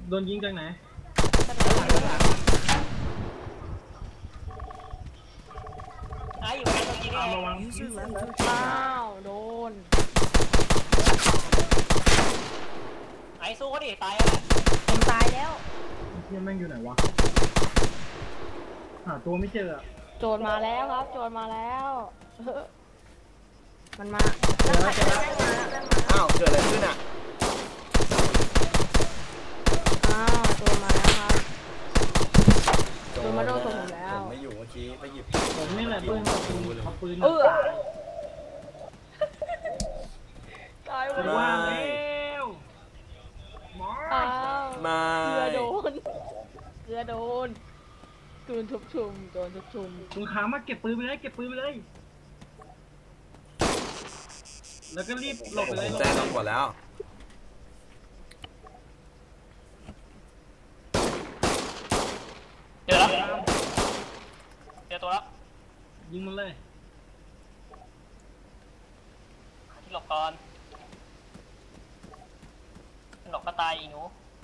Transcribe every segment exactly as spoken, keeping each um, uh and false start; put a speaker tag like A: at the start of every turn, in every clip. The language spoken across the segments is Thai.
A: โดนยิงจากไหน
B: ไอ้อยู่ในตัวยิงเอง
C: อ้าวโดน
B: ไอ้สู้ก็ดิตายแล้ว
C: ผมตายแล้ว
A: เฮียแม่งอยู่ไหนวะหาตัวไม่เจอ
C: โจรมาแล้วครับโจรมาแล้วมันมา
D: อ้าวเกิดอะไรขึ้นอ่ะ
C: อ้าวโจรมาแล้วครับโจรมาโดนผมแล้ว
D: ผมไม่อยู่เมื่อกี้ไปหยิบ
A: ผมนี่แหละปืนปืนเขาปืน
C: เออตายหมด
A: ว่าแล้ว
C: อ้าว
D: มา
C: เกลือโดนเกลือโดนโดนทุบชุมโดนทุบชุม
A: คุณขามาเก็บปืนไปเลยเก็บปืนไปเลยแล้วก็รีบหลบไปเลย
D: แจ้งตำรวจแล้ว
B: เจอแล้วเจอตัวแล้ว
A: ยิงมันเลย
B: ที่หลบก่อนหลบก็ตายอีหนู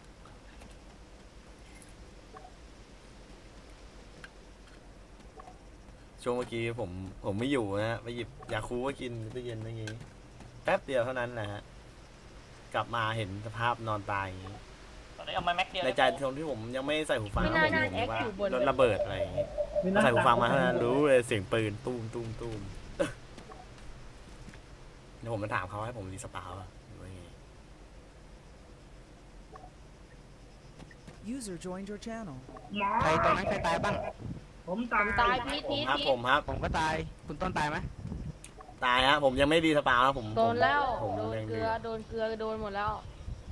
D: ช่วงเมื่อกี้ผมผมไม่อยู่นะไปหยิบยาคูก็กินตู้เย็นเมื่อกี้แป๊บเดียวเท่านั้นนะฮะกลับมาเห็นสภาพนอนตายอย่างนี้ในใจตรงที่ผมยังไม่ใส่หูฟังผมผมว่าโดนระเบิดอะไรอย่างนี้ใส่หูฟังมาเท่านั้นรู้เลยเสียงปืนตุ้มตุ้มตุ้มเดี๋ยวผมมาถามเขาให้ผมรีสปาวอะหรือว่าไง
E: User joined your channel
F: ใครตอนนั้นใครตายบ้าง
A: ผมตาย
C: ตายพีทพีท
D: ครับผมครับ
F: ผมก็ตายคุณต้นตายไหม
D: ตายฮะผมยังไม่ดีสปาวครับผม
C: โดนแล้วโดนเก
D: ลื
C: อโดนเกลือโดนหมดแล้ว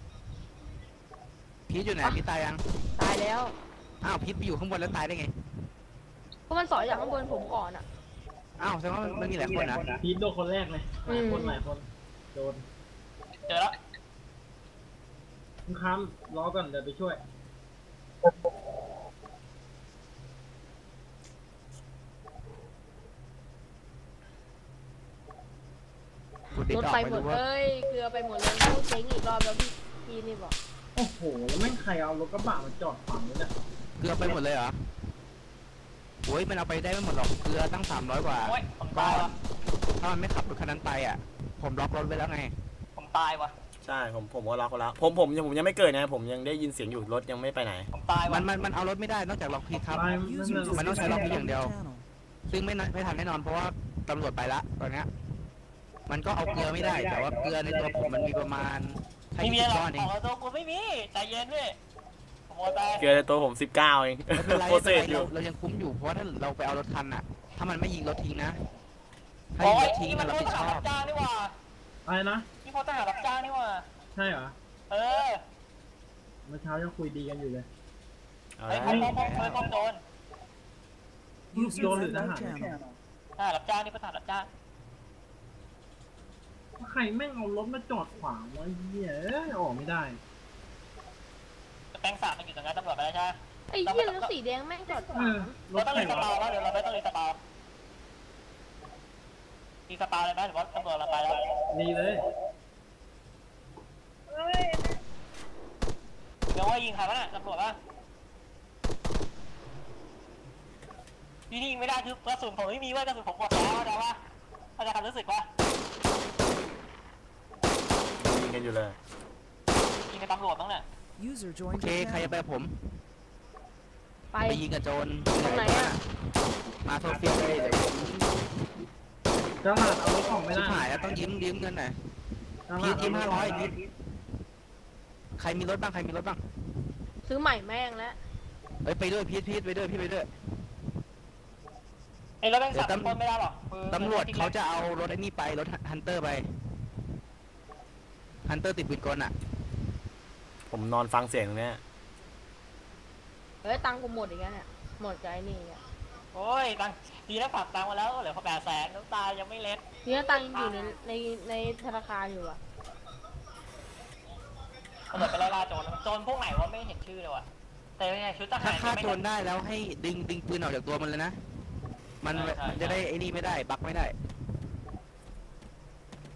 F: พีทอยู่ไหนพีทตายยัง
C: ตายแล้ว
F: อ้าวพีทไปอยู่ข้างบนแล้วตายได้ไง
C: เพราะมันสอยจากข้างบนผมก่อนอ่ะ
F: อ้าวแสดงว่ามันมีหลายคนนะ
A: พีทโดนคนแรกเลยหลายคนหลายคนโดน
B: เจอแล้ว
A: คุณค้ามรอก่อนเดี๋ยวไปช่วย
C: รถไปหมดเลยเกลือไปหมดเลยต้องเจ๊งอีกรอบแล้วพี่พี่นี่บอก
A: โอ้โหแล้วไม่ใครเอารถกระบะมาจอดฝังเลยเนี่ย
F: เกลือไปหมดเลยเหรอโอ้ยมันเอาไปได้ไม่หมดหรอกเกลือตั้งสามร้อยกว่า
B: ก็
F: ถ้ามันไม่ขับรถคันนั้นไปอ่ะผมล็อกรถไว้แล้วไง
B: ผมตายวะ
D: ใช่ผมผมก็ล็อกแล้วผมผมยังผมยังไม่เกิดนะผมยังได้ยินเสียงอยู่รถยังไม่ไปไหน
B: ผมตาย
F: มันมันมันเอารถไม่ได้นอกจากล็อกพีครับมันต้องใช้ล็อกพีอย่างเดียวซึ่งไม่ไม่ทันแน่นอนเพราะว่าตำรวจไปละตอนเนี้ยมันก็เอาเกลือไม่ได้แต่ว่าเกลือในตัวผมมันมีประมาณ
B: ไม่มีหรอกของตัวกูไม่มีใจเย็นพี่
D: เกลือในตัวผมสิบเก้าเองโปรเซสอยู่
F: เรายังคุ้มอยู่เพราะถ้าเราไปเอารถคันอ่ะถ้ามันไม่ยิงรถทิ้งนะ
B: ให้ยิงรถทิ้งมันรับผิดชอบจ้างนี่ว่า
A: อะไรนะ
B: ที่เขาทหารรับจ้างนี่ว่า
A: ใช่เหรอ
B: เออ
A: เมื่อเช้ายังคุยดีกันอยู่เลย
B: ไอ้พวกพวกพวกพวกโดน
A: โดนหรือทหาร
B: ทหารรับจ้างนี่ก็ทหารรับจ้าง
A: ใครแม่งเอารถมาจอดขวางไว้เหี้ยออกไม่ได้
B: แป้งสามมันอยู่ตรงนั้นตำรวจไปแล้วใช่ไหม
C: ไอ้เหี้ยรถสีแดงแม่งจอดขวาง
B: เราต้องรีสปาวแล้วเดี๋ยวเราไม่ต้องรีสปาวรีสปาวเลยไหมหรือว่าตำรวจเราไปแล้ว
A: นี่เลย
B: เดี๋ยวว่ายิงใครวะน่ะตำรวจวะนี่ยิงไม่ได้คือกระสุนผมไม่มีว่ากระสุนผมหมดแล้วนะว่าอาจารย์รู้สึกว่า
D: ยิงกันอยู่เลย
B: ยิงในตำรวจบ้างเนี่ย
F: โอเคใครจะไปผม
C: ไป
F: ไปยิงกับโจร
C: ตรงไหนอ่ะ
F: มาโซเฟียเลยเดี๋ยวผม
A: จังหวะเอารถของไม่ได้
F: หายแล้วต้องยิ้มยิ้มกันหน่อยพีทยิ้มห้าร้อยพีทใครมีรถบ้างใครมีรถบ้าง
C: ซื้อใหม่แม่งแล้ว
F: เฮ้ยไปด้วยพีทพีทไปด้วยพี่ไปด้วย
B: ไอ้รถแม่งสับคนไม่ได้หรอก
F: ตำรวจเขาจะเอารถไอ้นี่ไปรถฮันเตอร์ไปฮันเตอร์ติดปืนกลอ่ะ
D: ผมนอนฟังเสียงตรงนี้
C: เฮ้ยตังกูหมดอีกแล้วเนี่ยหมดใจนี่อ่ะ
B: โอ้ยตังทีแล้วฝากตังมาแล้วเหลือพอแปดแสนน้ำตายังไม่เล็ด
C: ทีแล้วตังอยู่ในในในธนาคารอยู่อ่ะ
B: ตำรวจไปไล่ล่าโจรโจรพวกไหนวะไม่เห็นชื่อเลยว่ะแต่ไม่ใช่ชุดทหาร
F: ถ้าฆ่าโจรได้แล้วให้ดึงดึงปืนออกจากตัวมันเลยนะมันจะได้ไอ้นี่ไม่ได้บักไม่ได้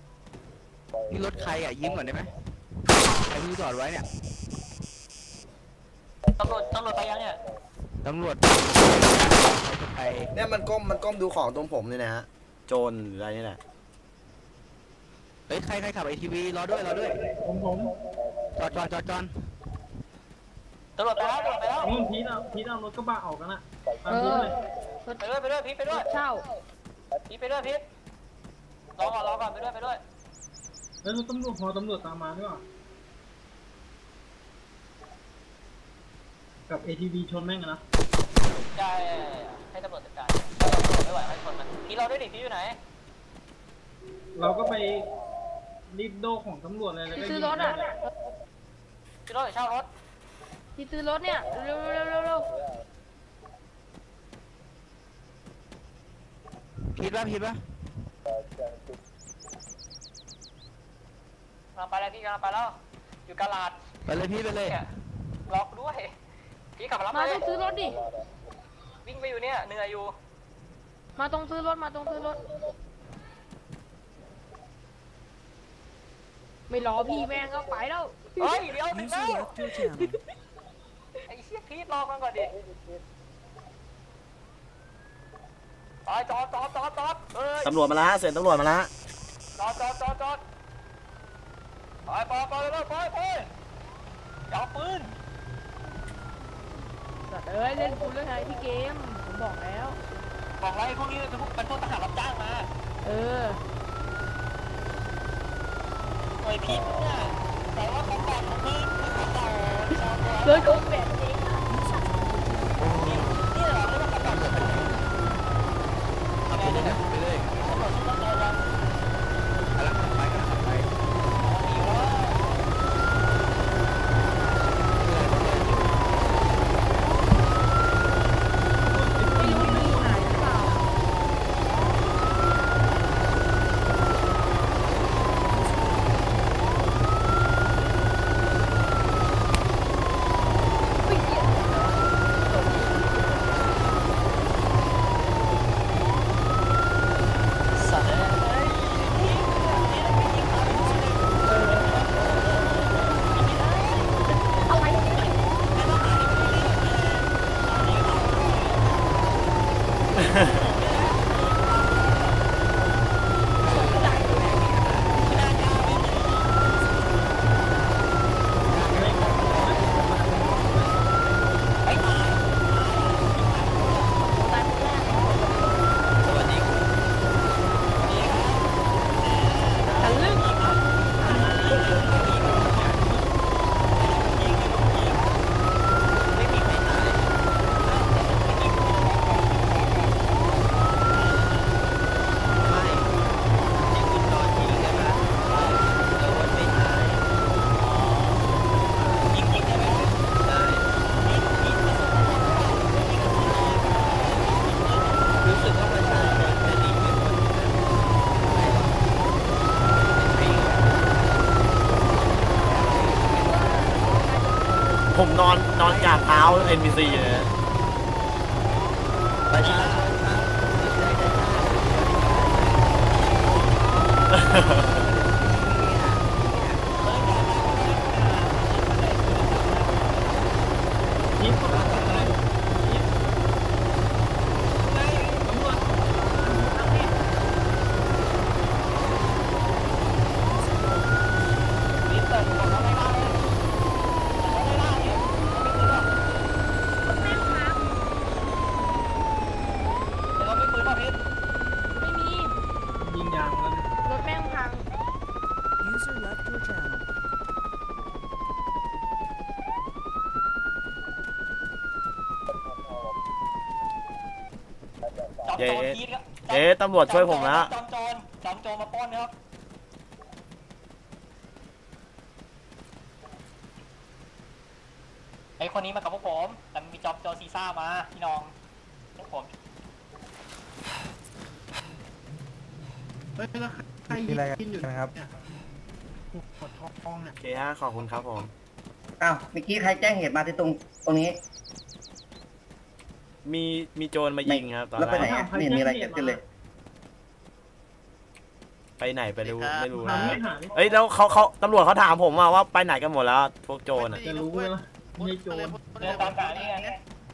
F: นี่รถใครอ่ะยิ้มก่อนได้ไหมใครมือจอดไว้เนี่ย
B: ตำรวจตำรวจไปยังเนี่ย
F: ตำรวจจะไป
D: เนี่ยมันก้มมันก้มดูของตรงผมนี่นะฮะโจรหรืออะไรนี่แหละ
F: เฮ้ยใครใครขับไอทีวีรอด้วยรอด้วย
A: ผมผม
F: จอดจอดจอดจอด
B: ตำรวจไปแล้วตำรวจไปแล้ว
A: นู่นพีทเอาพีทเอารถกระบะออกกันนะตาม
C: เอ
A: พีท
C: อ
A: เลย
C: รถ
B: ไปด้วยไปด้วยพีทไปด้วย
C: เช่า
B: พีทไปด้วยพีทรอก่อนรอก่อนไปด้วยไปด้วย
A: แล้วรถตำรวจพอตำรวจตามมาด้วยกับ เอ ที วี ชนแม่งอะนะ
B: ใช่ให้ตำรวจจัดการถ้าตำรวจไม่ไหวให้คนมันพีทเราด้วยดิพีทอยู่ไหน
A: เราก็ไปรีบโดของตำรวจเลยแล้ว
C: ที่
A: ก็
C: ซื้อ
A: ยิง
C: รถอ่ะ
B: พีทเราจะเช่ารถ
C: ที่ซื้อรถเนี่ยเร็วเร็วเร็วเร็ว
F: ผิดป่ะผิดป่ะ
B: กำลังไปแล้วพี่กำลังไปแล้วอยู่กาลาด
F: ไปเลยพี่ไปเลย
B: เนี่ยล็อกด้วยพี่ขับมารับ
C: มา
B: เล
C: ต้
B: ย
C: องซื้อรถดิ
B: วิ่งไปอยู่เนี่ยเหนื่อยอยู่
C: มาตรงซื้อรถมาตรงซื้อรถไม่รอพี่แม่งก็ไปแล้ว
B: เฮ้ยเดี๋ยวถึงแล้ว
E: User left your channel.
B: ไอ้เชี่ยพีทรอกันก่อนดิไปจอดจอดจอดจอดเฮ้ย
D: ตำรวจมาแล้วเสร็จตำรวจมาแล้ว
B: จอดจอดจอดจอดไปไปไปไปไปไปอย่าเอาปืน
C: สัตว์เอ้ยเล่นกูเรื่องอะไรพี่เกมผมบอกแล้ว
B: บอกไรพวกนี้เป็นพวกเป็นพวกทหารรับจ้างมา
C: เออ
B: ไอ้พีทเนี่ยแต่ว่าของแบบของมึงต่อ
C: โดยโกงแบบเองอะ
B: นี่เหรอเรียกว่าของแบบ
F: ขับไปเลยนะไปเลย
B: ตำรวจต้องโดนวัน
F: กำลังขับไปกำลังขับไป
B: อยู่แล้ว
C: ไม่รู้มันหายหรือเปล่าไม่เกี่ยว
B: สัตว์เอ้ย
C: อะไรเนี่ย ทะลึ่ง
D: ผมนอนนอนกราบเท้า เอ็น พี ซี เลยนะ
F: ไปช้า
A: พีทตำรวจตำรวจพีทตำรวจ
B: พีทเปิดของเราไม่ได้เลยไม่ได้เลยไม่มีปืนหรอก
C: แม่งพัง
B: แต่เราไม่ปืนหรอกพีท
C: ไม่มี
A: ยิงยางแล้ว
C: รถแม่งพัง
E: User left your channel.
B: จอม
D: เจ๊
B: โจรพีทครับ
D: เจ๊ตำรวจช่วยผมแล้ว
B: จอมโจรจอมโจรมาปล้นนะครับไอ้คนนี้มากับพวกผมแต่มีจอมโจรซีซ่ามาพี่น้องพวกผม
A: เฮ้ยแล้วใครยิงกินอยู่นะครับปวดท้องเนี่ย
D: โอเคฮะขอบคุณครับผม
G: อ้าวเมื่อกี้ใครแจ้งเหตุมาที่ตรงตรงนี้
D: มีมีโจรมายิงครับตอน
G: แล้ว
D: แร
G: ไปไหน
D: ก
G: อ่ะไม่เห็นมีอะไรเกิดขึ้นเลย
D: ไปไหนไปรู้ไม่รู้
A: ถา
D: นะ
A: มไม่หา
D: เอ้ยแล้วเขาเขาตำรวจเขาถามผมมาว่าไปไหนกันหมดแล้วพวกโจรอ่ะ
A: จะรู้ไหมล่ะมีโจร
B: เดินตามกานี่ไง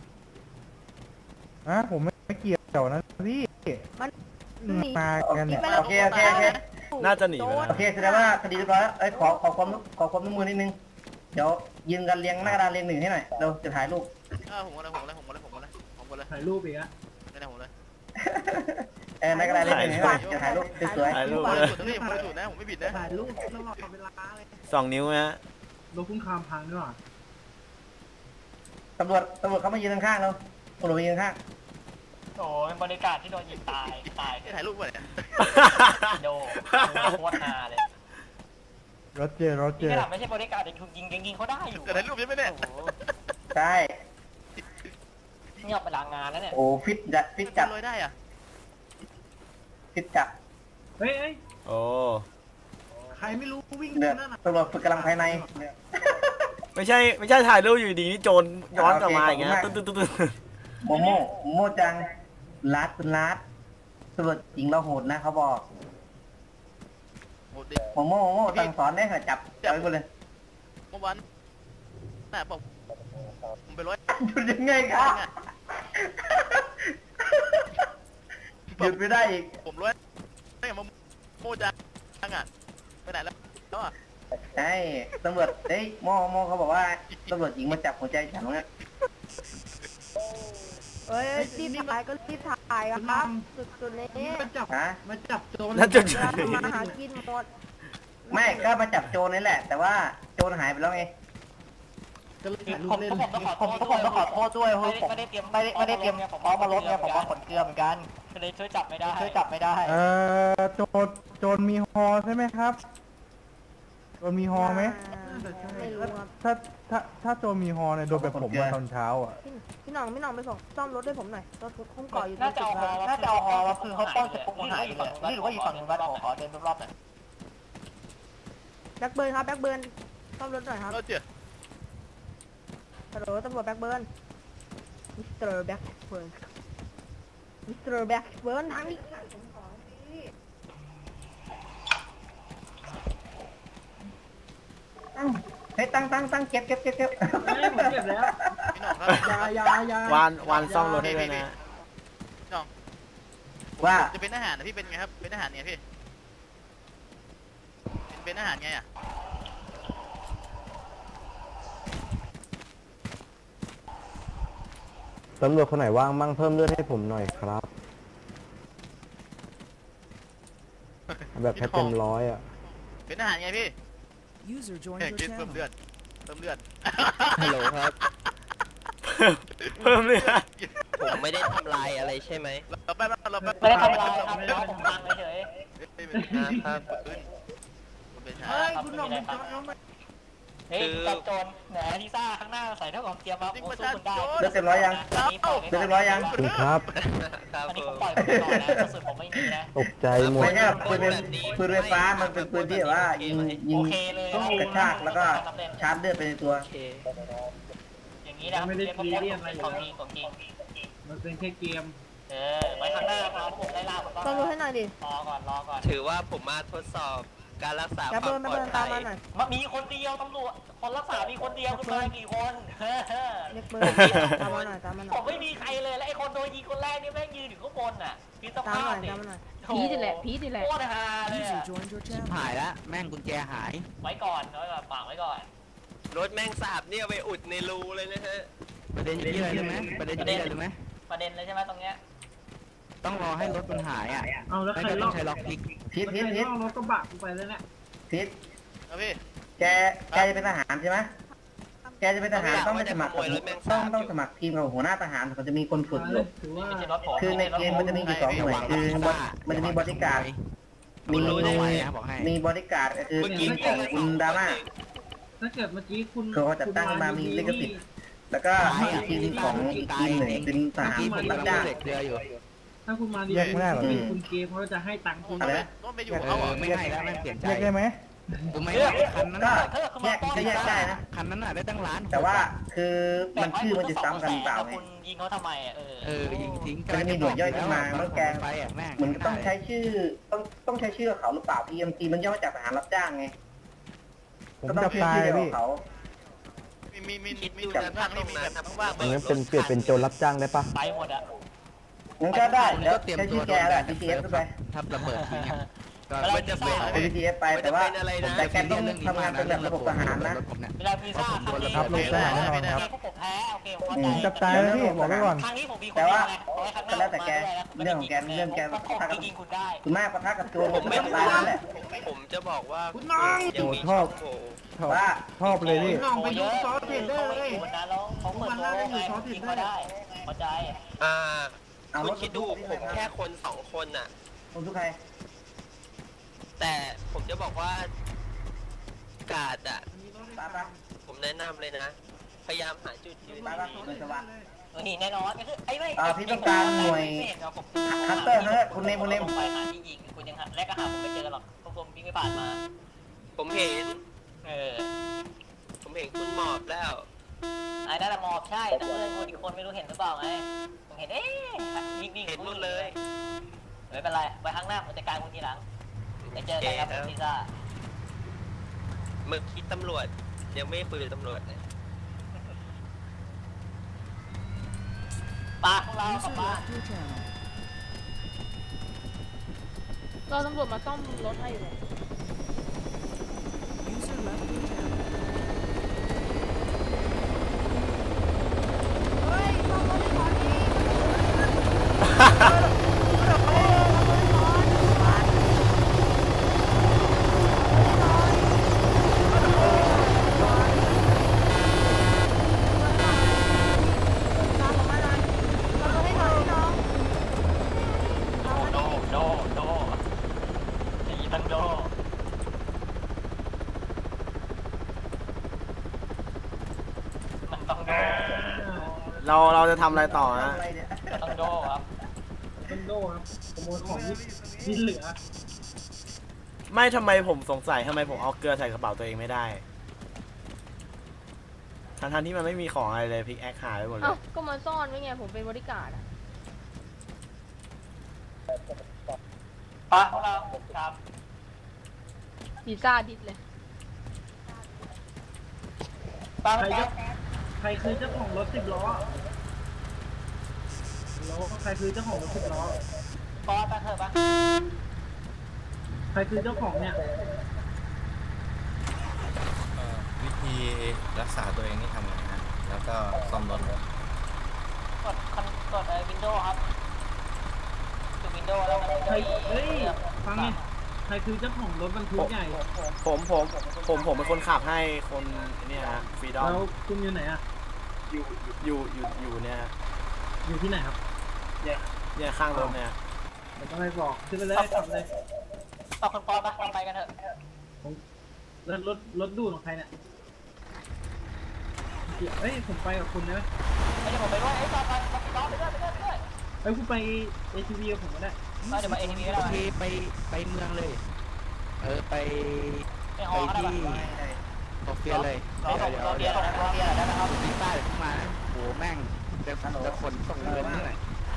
H: อ่ะผมไม่เกี่ยวนะพี่
C: มัน
H: มากันเนี่ย
G: โอเคโอเคโอเค
D: น่าจะหนีไป
G: โอ
D: แล้ว
G: เคแสดงว่าคดีเรียบร้อยแล้วเอ้ยขอขอความขอความร่วมมือนิดนึงเดี๋ยวยืนกันเรียงหน้ากระดานเรียงหนึ่งให้หน่อยเราจะถ่ายรูป
F: เออผมก็เลยผมก็เลยผมก็เลยผมก็เลยผมก็เลย
A: ถ่ายรูปอีกอะ
F: ไม่ได้ผมเลย
G: เออหน้ากระดานเรียงหนึ่งให้หน่อยจะถ่ายรูปสวย
D: ถ่ายรูป
F: ผม
D: เล
F: ไม่
D: ย
F: ถูกนะพี่ผมไม่ถูกนะผมไม่ผิดนะ
A: ถ่ายรูปตลอดเวลาเลย
D: สองนิ้วนะ
A: รถคุ้มคามพังด้วยว่ะ
G: ๆตำรวจตำรวจเขามายืนข้างๆเราตำรวจมายืนข้าง
B: โอ้เป็นบริการที่โดนยิงตายตาย
F: ถ่ายรูปไว้เนี่ย
B: โดโคตรฮาเลย
H: รถเจอรถเจ
B: นี่
H: อ
B: ขนาดไม่ใช่บริการแต่ถูกยิงยังยิงเขาได้อยู่
F: แต่ถ่ายรูปยังไม่เนี่ย
G: ใช่
B: นี่ออกไปลางงานแล้วเนี่ย
G: โอ้ฟิตจัดฟิตจัด
F: ลอยได้อะ
G: ฟิตจัด
A: เฮ้ยเอ้ย
D: โอ้
A: ใครไม่รู้วิ่ง
G: เดือด
A: นั่นน่ะ
G: ตำรวจฝึกกำลังภายใน
D: ไม่ใช่ไม่ใช่ถ่ายรูปอยู่ดีนี่โจรย้อนกลับมาอย่างเงี้ย
G: โอเค
D: ตึ๊ดตึ๊ดตึ๊ด
G: โมโม่โมโม่จังลัดคุณลัดตำรวจหญิงเราโหดนะเขาบอก
F: โอ้ดิ
G: โมโม่โมโม่สั่งสอนได้ค่ะจับจับไปหมดเลย
F: เมื่อวันแต่บอกผมไปร้อย
G: หยุดยังไงครับหยุดไม่ได้อีก
F: ผมร้อยได้ไงมาโมจังอ่ะไปไหนแล้วแล้วอ่ะ
G: ใช่ตำรวจเฮ้ยโมโมเขาบอกว่าตำรวจหญิงมาจับหัวใจฉันเนี่ย
C: เอ้ยรีบถ่ายก็รีบถ่ายอะครับสุดๆนี้
A: มาจับ
G: ฮะ
A: มาจับโจร
D: นั่นจุด
C: เวลาทำมาหากินหมด
G: ไม่ก็มาจับโจรนี่แหละ แต่ว่าโจรหายไปแล้วไง
A: ก็เลยถ่ายรู
B: ผ
A: ป
B: ม
A: เล่น
B: ผมต้องขอผมผมต้องขอโทษด้วยผมไม่ได้เตรียมไม่ได้ไม่ได้เตรียมพร้อมมาลบเนี่ยผมว่าขนเกลือเหมือนกันก็เลยช่วยจับไม่ได้ช่วยจับไม่ได้
H: เอ่อโจรโจรมีฮอใช่ไหมครับโจรมีฮอไหม
C: ไม่รู้ครับ
H: ถ้าถ้าถ้าโจรมีฮอเนี่ยโดนแบบผมมาตอนเช้าอ่ะ
C: พี่พี่หน้องพี่หน้องไปส่งซ่อมรถให้ผมหน่อยรถคุ้มก่ออยู่
B: น่าจะเอาฮอน่าจะเอาฮอว่าคือเขาป้องจะปุ้งหายเลยนี่หรือว่าอยู่ฝั่งนู้นบ้านขอเดินรอบๆหน่อย
C: แบ็คเบิร์นครับแบ็คเบิร์นซ่อมรถหน่อยครับ
F: แล้วเจ้า
C: ฮัลโหลตำรวจแบ็คเบิร์นมิสเตอร์แบ็คเบิร์นมิสเตอร์แบ็คเบิร์นทางนี้
G: ตั้งเฮ้ยตั้งตั้งตั้งเก็บเก็บเก็บเก็บ
A: เฮ้ยผมเก็บแล้ว
F: พี่น้องครับ
A: อยาอยาอยาว
D: านวานซ่อมรถให้ด้วยนะ
F: พี่น้อง
G: ว่า
F: จะเป็นทหารนะพี่เป็นไงครับเป็นทหารไงพี่เป็นทหารไงอ่ะ
I: ตำรวจคนไหนว่างมั่งเพิ่มเลือดให้ผมหน่อยครับ แบบแค่เต็มร้อยอ่ะ
F: เป็นทหารไงพี่
E: User
F: เฮ้
E: joined
F: ย
E: your
F: กินเพิ่ม
E: channel.
F: เลือดเพิ่มเลือด
I: ฮัลโหลครับ
D: เพิ่มเลยนะ
I: ผมไม่ได้ทำลายอะไรใช่ไหม
F: เราแป๊บเราแป๊บ
B: ไม่ได้ทำลายครับผมฟังเฉย
I: ครับ
F: เป็นท
A: เฮ้
F: หาร
A: ยคุณหน่องมันจะเอามา
B: เฮ้ยจับโจรแหนลิซ่าข้างหน้าใส่เท่าของเตรียมมาโอ้สู้คุณได้
G: เลือกเต็มร้อยยัง เลือกเต็มร้อยยัง
I: คุณครับ
B: อันนี้ผมปล่อยไปก่อนนะกระสุนผมไม่มีนะ
I: ตกใจหมด
G: ไม่ใช่ปืนเป็นปืนไฟฟ้ามันเป็นปืนที่แบบว่ายิงยิ
B: โอง เคเลย
G: กระชากแล้วก็ชาร์จเลือดไปในตัว
B: อย่างนี้นะเรียกว่าแค่ของจริงของจริง
A: มันเป็นแค่เกม
B: เออไว้ข้างหน้าครับผมไล่ล่าผม
C: ซ่อมรถให้หน่อยดิ
B: รอก่อนรอก่อน
I: ถือว่าผมมาทดสอบการรักษา
C: แบ็ค
I: ควา
C: เบิ
I: ม
C: ร์น
I: ป
C: แบ็ค
I: ลอ
C: เบิร์นตามมาหน่อย
B: มันมีคนเดียวตำรวจคนรักษามีคนเดียวคุณมากี่คน
C: แบ็คเบิร์นตามมาหน่อยตามมาหน่
B: ผ
C: อย
B: มไม่มีใครเลยและไอ้คนโดนยิงคนแรกนี่แม่งยืนอยู่ข้างบนน่ะพี่ต้อง
C: ตาม
B: พ
C: มา
B: ลา
C: หน่
B: ด
C: อย
B: ดิ
C: ตามมาหน่อย
B: พีนี่แหละพีนี่แหละโคตรฮาเลย
E: User joined your channel.
F: หายแล้วแม่งกุญแจหาย
B: ไว้ก่อนไว้ก่อนฝากไว้ก่อน
I: รถแม่งสาบเนี่ยไปอุดในรูเลยนะฮะ
F: ประเด็นอยู่ที่อะไรรู้ไหมประเด็นอยู่ที่อะไรรู้ไหม
B: ประเด็นเลยใช่ไหมตรงเนี้ย
F: ต้องรอให้รถมันหายอ่ะ
A: เอาแล้ว
F: ไม่
A: ใคร
F: ก็
A: ล
F: ต้
A: อ
F: อก งใช้ล็อกพิก
G: พิษพิษ
A: ใคร
G: พิษ
A: ลอกรถกระบะกูไปแล้วเนี่ย
G: พิษ
F: ครับพี่
G: แกแกจะเป็นทหารใช่ไหมแกจะเป็นทหารต้องไปสมัครต้องต้องสมัครทีมกับหัวหน้าทหารเขาจะมีคนฝึกอยู่
A: ถือว่า
B: ไม่ใช่รถผม
G: คือในเกมมันจะมีอยู่สองหน่วยคือมันจะมีบอดี้การ์ดมี
F: รู้ได้ไงนะบอกให้
G: มีบอดี้การ์ดก็คือทีมของคุณดราม่า
A: ถ้าเกิดเมื่อกี้คุณ
G: เขาก็จัดตั้งมามีลิขสิทธิ์ แล้วก็อีกทีมของอีกทีมหนึ่งเป็นทหาร
F: ผม
G: รับ
F: กำลั
G: จ้าง ง
F: เด็กเรืออยู่
A: ถ้าคุณมาดี
H: แยกไม่ได้หรอพี่
A: คุณเกมเขาจะให้ตังค์คุณ
G: อะไรนะ
F: ต้องไปอยู่เขาเหรอไม่ให้แล้วแม่งเปลี่ยนใจ
H: เรียกได้ไหม
F: ผมไม่ได้คันนั้น
G: ก็
F: น่ะ
G: แยกก็แยกได้นะ
F: คันนั้นน่ะได้ตั้งล้าน
G: แต่ว่าคือมันชื่อมันจะซ้ำกันเปล่าไง
B: คุณยิงเขาทำไมอ่ะเออ
F: เออยิงทิ้ง
G: มันจะมีหน่วยย่อยขึ้นมาแล้วแก
F: ไปอ่ะแม่ง
G: เหมือนต้องใช้ชื่อต้องต้องใช้ชื่อเขาหรือเปล่า พี เอ็ม ซี มันย่อมาจากทหารรับจ้างไง
H: ผม
G: ก็ต้อ
H: จะ
G: งชื่อ
H: ตาย
G: ชื่อเดียว
H: พี่
G: กับเขา
F: ม
I: มีมีคิดดูนะถ้าตรงนั้นนะว่างๆ
J: งั้นเป็นเปลี่ยนเป็นโจรรับจ้างได้ปะ
B: ไปหมดอ่ะ
G: งั้นก็ได้
F: คุณ
G: แล้ว
F: ก็เตรียม
G: ใช้
F: ตั
G: ชื่
F: ว
G: อ
F: โด
G: แก
F: น
G: แห
F: แบ
G: ละ
F: บ
G: บี ที เอฟ
F: เซิร์ฟ
G: ไป
F: ถ้าระเบิดทิ้งอ่ะก็
I: มันจะเป็น
G: เอา บี ที เอฟไปแต่ว่าแต่แกต้องทำงานเป็นแบบระบบทหารนะ
B: เวลาพีซ่าครั้งนี้
H: ครับลงทหารแน่นอนครับ
B: พวกผมแพ้โอเคผมเข้า
H: ผม
B: ใจ
H: จับตายแล้วพี่บอกไว้ก่อน
B: ครั้งนี้ผมมีคน
G: แต่
B: เดีย
G: ว่า
B: วไงขอให้ครั้งหน้า
G: แล้วแต่แก
B: ผมมาด้วยนะ
G: เรื่องของแกเรื่องแก
B: ผมผมยิงคุณได้
G: คุณมากปะทะกับโจร
I: ผมไม่
G: ตายนั่นแหละ
I: ผมจะบอกว่า
A: คุณน้อง
I: ยังมี
H: ชอบ
I: โอ้โห
H: ชอบ
G: ว่า
H: ชอบเลยพี่
A: น้องไปดูซอสเทรดเดอร์เลย
B: คนนั้นแล้วเขาเปิดตัวโลกไงยิงเขาได้เข้าใจ
I: อ่า
G: เอา
I: คุ
G: ร
I: ณ
G: ถ
I: คิดดูผมแค่คนสองคนน่ะ
G: ผมทุกใคร
I: แต่ผมจะบอกว่ากาดอ่ะ
G: ป้าป้า
I: ผมแนะนำเลยนะ พยายามหาจุดยืน
G: ป้าป้าเดินสวัสดิ์
B: เออแน่นอนก็คือไอ้ไม่
G: อ่าพี่ต้องการหน่วย ฮันเตอร์ฮันเตอร์คุณเนมคุณเนม
B: ไปหาที่ยิงคุณยังหาแรกก็หาผมไม่เจอหรอกพวกผมวิ่งไม่ผ่านมา
I: ผมเห็น
B: เออ
I: ผมเห็นคุณหมอบแล้ว
B: ไอ้นั่นมอบใช่แต่เพื่อนคนอีกคนไม่รู้เห็นหรือเปล่าไงผมเห็นเอ๊ะวิ่งวิ่ง
I: เห็นหมดเลย
B: ไม่เป็นไรไว้ข้างหน้าผมจัดการคุณทีหลังไปเจอกันครับคุณพิซซ่า
I: เมื่อกี้ตำรวจยังไม่คุยกับตำรวจเลย
B: ปาของเรากับ
E: User
B: ปา
E: left your channel.
C: รอตำรวจมาซ่อมรถให้อยู่เลย
E: User left your channel.
C: เฮ้ยซ่อมรถให้ก่อนดิ
B: โดโดโดตีตั้งโดมันต้องโด
D: เราเราจะทำอะไรต่อฮะ
G: อะไรเนี่ย
B: ต้องโดครับ
A: เป็นโดครับขโมยของที่ที่เหลือ
D: ไม่ทำไมผมสงสัยทำไมผมเอาเกลือใส่กระเป๋าตัวเองไม่ได้ทั้งทันที่มันไม่มีของอะไรเลยพิกแอคหายไปหมดเล
C: เอ้าย ก็มาซ่อนไว้ไงผมเป็นบริการดอะ
B: ปาของเราครับ
C: พิซซ่าดิสเลย
B: ปา
A: ใคร
B: ครั
A: จะ
B: บ
A: ใครคือเจ้าของรถสิบล้อแล้วใครคือเจ้าของรถสิบล้อ
B: ปาไปเถอะปะ
A: ใครคือเจ้าของเนี่ย
K: วิธีรักษาตัวเองนี่ทำไงฮะแล้วก็ซ่อมรถ
B: กดคอนกดไอ้วินโดว์ครับกดวินโดว์แล้วมัน
A: ใคร
B: จะมี
A: เฮ้ยฟังไงใครคือเจ้าของรถบรรทุกใหญ่
D: ผมผมผมผมเป็นคนขับให้คนเนี่ยฮะฟรีดอม
A: แล้วคุณอยู่ไหนอะ
D: อยู่อยู่อยู่อยู่เนี่ยฮะ
A: อยู่ที่ไหนครับ
D: เนี่ยข้างรถเนี่ย
A: ไม่ต้องให้บอกขึ้นไปเลยขับเลย
B: ต่อคนปอปะเราไปกันเถอะ
A: แล้วรถรถดูดของใครเนี่ยเฮ้ยผมไปกับคุณได้ไหม
B: ไม่ใช่ผมไปด้วยไอ้ต่อไปต่อไปด้วยไปด้วยไปด้วย
A: เอ้ยคุณไปเอทีวีกับผมก็ได้
B: เราเดี๋ยวมาเอทีวีก็
F: โอ
B: ได้
F: เคไปไปเมืองเลย เออไป
B: ไปฮ
F: ไป
B: อก็ได้
F: ที่
B: ปะ
F: โซเฟียเลย
B: รอส่ง
F: เดี๋ยว
B: รอเบี
F: เดี๋
B: ย
F: ยว
B: ร์รอเบียร์ได้ไหมครับ
F: พิซซ่าเดี๋ยวขึ้นมานะโหแม่งจะจะขนส่งเงินนี่หน่อย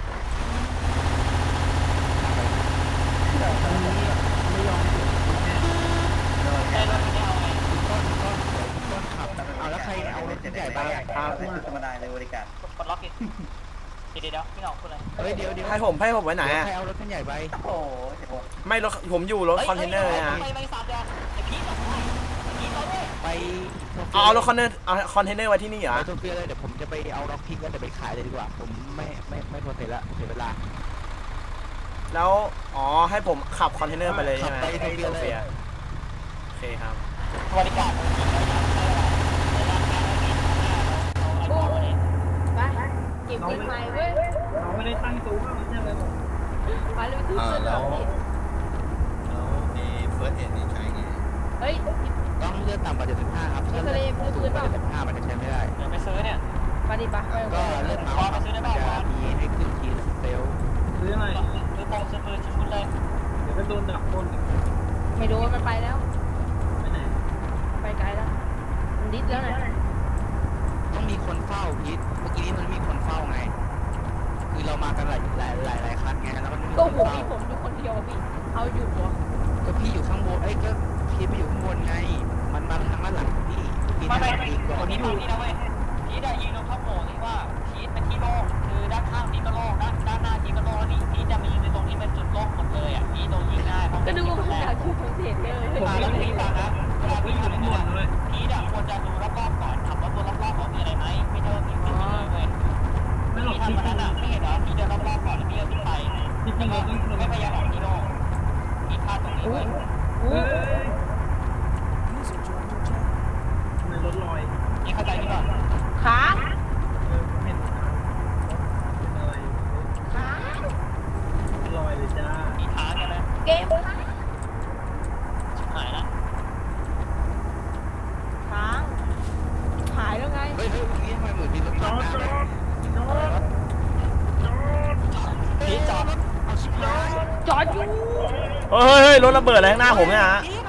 A: ไม่ยอม
B: ไอ้รถมันจะเอาไง
F: ต้นต้นต้นขับเอาแล้วใครเอารถใหญ่ไปอ่ะ
G: ครับธรรมดาเลยบริการ
B: กดล็อกอีกเดี๋ยวเดี๋ยวพี่น้องคุณเลย
F: เฮ้ยเดี๋ยวเดี๋ยว
D: ให้ผมให้ผมไว้ไหนอะ
F: ใครเอารถคันใหญ่ไป
G: โอ้โห
D: ไม่รถผมอยู่รถคอนเทนเนอร์นะฮะ
B: ไปไปสามแดงไอ้พีทไปพีทไปด้วย
F: ไป
D: เอาเอารถคอนเทนเนอร์เอาคอนเทนเนอร์ไว้ที่นี่เหรอ
F: ไปโซเฟียเลยเดี๋ยวผมจะไปเอาล็อกพิกแล้วเดี๋ยวไปขายเลยดีกว่า ผมไม่ไม่ไม่โปรเซสละเสียเวลา
D: แล้วอ๋อให้ผมขับคอนเทนเนอร์ไปเลยใช่ไหม
F: ขับไปโซเฟียเลย
D: โอเคครับ
B: บริการจริงเลยนะเอาเอาเอาเอา
C: ไปเก็บบิ๊กไมค์เว้ย
A: เราไม่ได้ตั้งตู้ไม่ใช่เลย
C: ไปเลยทุก
K: อ่า
C: คน
K: แล้ว
C: พี่
K: แล้วไอ้เฟิร์สเอ็ดนี่ใช้ไง
C: เฮ้ย
F: ต้องเลือกต่ำกว่าเจ็ดสิบห้าครับถ้าเลือกสูงกว่าเจ็ดสิบห้ามันจะใช้ไม่ได้
B: เดี๋ยวไปซื้อเนี่ย
C: ไปดิปะไป
F: ก็เลือกเมาส์ครับมันจะมีให้ขึ้นทีละสเตล
A: ซื้อหน่อย
B: ซื้อปงซื้อปืนซื้อชุดเลย
A: เดี๋ยวก็โดนดักคน
C: ไม่โดนมันไปแล้ว
A: ไปไหน
C: ไปไกลแล้วมันดิสแล้วนะ
F: ต้องมีคนเฝ้าพีทเมื่อกี้นี้มันมีคนเฝ้าไง คือเรามากันหลายหลายหลายหลายคันไงแล้วมันมี
C: ก็
F: คน
C: ผม
F: เฝ้า
C: มีผมอยู่คนเดียวพี่เอาอยู่เหรอ
F: ก็พี่อยู่ข้างบนเอ้ยก็พีทไปอยู่ข้างบนไง มันมาทางด้านหลังพี่พี่
B: ไม่
F: ทำ
B: ไม่
F: ดีก่อน
B: พีทฟังพี่นะเว้ยพีทอะยืนตรงช่องโหว่ที่ว่าพีทเป็นที่โล่งคือด้านข้างพีทก็โล่งด้านด้านหน้าพีทก็โล่งแล้วนี่พีทจะมายืนในตรงที่เป็นจุดโล่งหมดเลยอ่ะพีทโดนยิงได้เพราะ
C: ก็ดูว่าอยากชื่อของเสียเลย
B: ผมแล้วพีทฟังนะเวลาพีททำอย่างนี้พีทอะควรจะดูรอบๆก่อนขับรถตัวรอบๆก่อนมีอะไรไหมไม่ใช่ว่าพีทขึ้นไปเลยเว้ยพีททำวันนั้นอะไม่เห็นเหรอพีทเดินรอบๆก่อนแล้วพีทก็ขึ้นไปแล้วก็ไม่พยายามออกที่โล่งพีทพลาดตรงนี้เว้ย
E: User joined your channel.
A: รถลอย
B: นี่เข้าใจนี่ป่ะ
C: ค้าง
A: เออผมเห็นเป็นอะไร
C: ค้าง
A: ลอยเลยจ้า
B: พีทท้าใช่ไหม
C: เกมค้าง
B: หายละ
C: ค้างหายแล้วไง
F: เฮ้ยเฮ้ยนี่ทำไมเหมือนมีรถจอดหน้าเลย
B: พีทจอด
F: เอาชิบหาย
C: จอดอยู่
D: เฮ้ยเฮ้ยรถระเบิดอะไรข้างหน้าผมเนี่ยฮะ
C: อี